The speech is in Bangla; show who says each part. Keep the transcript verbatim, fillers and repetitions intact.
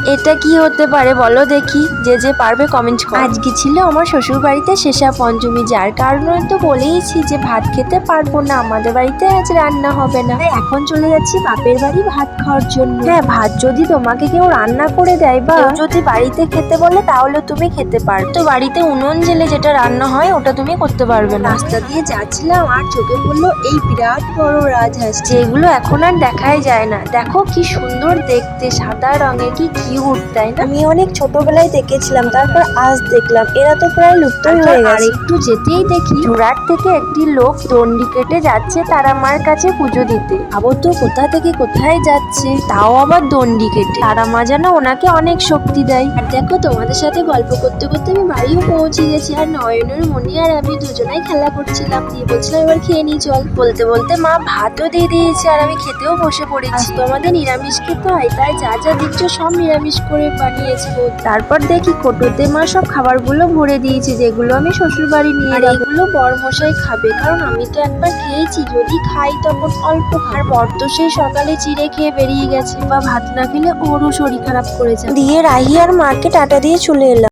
Speaker 1: এটা কি হতে পারে বলো দেখি, যে যে পারবে কমেন্ট করো। আজকে ছিল আমার শ্বশুর বাড়িতে শেষা পঞ্চমী, যার কারণে তো বলেইছি যে ভাত খেতে পারবো না, আমাদের বাড়িতে আজ রান্না হবে না। এখন চলে যাচ্ছি বাপের বাড়ি ভাত খাওয়ার জন্য। হ্যাঁ, ভাত যদি তোমাকে কেউ রান্না করে দেয় বা যদি বাড়িতে খেতে বলে তাহলে তুমি খেতে পারবে, তো বাড়িতে উনুন জেলে যেটা রান্না হয় ওটা তুমি করতে পারবে না। রাস্তা দিয়ে যাচ্ছিলাম আর চোখে পড়লো এই বিরাট বড় রাজহাঁস, যেগুলো এখন আর দেখাই যায় না। দেখো কি সুন্দর দেখতে, সাদা রঙের, কি কিউট তাই না? আমি অনেক ছোটবেলায় দেখেছিলাম, তারপর আজ দেখলাম, এরা তো প্রায় লুপ্তই হয়ে গেছে। আর একটু যেতেই দেখি জোড়ার থেকে একটি লোক দণ্ডি কেটে যাচ্ছে তারা মার কাছে পুজো দিতে। ভাবো তো কোথা থেকে কোথায় যাচ্ছে, তাও আবার দণ্ডি কেটে। তারা মা যেন ওনাকে অনেক শক্তি দেয়। আর দেখো তোমাদের সাথে গল্প করতে করতে আমি বাড়িও পৌঁছে গেছি, আর নয়নের মনি আর আমি দুজনাই খেলা করছিলাম, দিয়ে বলছিলাম এবার খেয়ে নি চল। বলতে বলতে মা ভাতও দিয়ে দিয়েছে আর আমি খেতেও বসে পড়েছি। তো আমাদের নিরামিষ খেতে হয়, তাই যা যা দিচ্ছ সব নিরামিষ করে বানিয়েছি। তারপর দেখি কোটোতে মা সব খাবারগুলো ভরে দিয়েছে, যেগুলো আমি শ্বশুর বাড়ি নিয়ে যাবো। এগুলো বরমশাই খাবে, কারণ আমি তো একবার খেয়েছি, যদি খাই তখন অল্প। আর বর তো সেই সকালে চিড়ে খেয়ে বেরিয়ে গেছে, বা ভাত না খেলে ওরও শরীর খারাপ করেছে। দিয়ে রাহি আর মাকে টাটা দিয়ে চলে এলাম।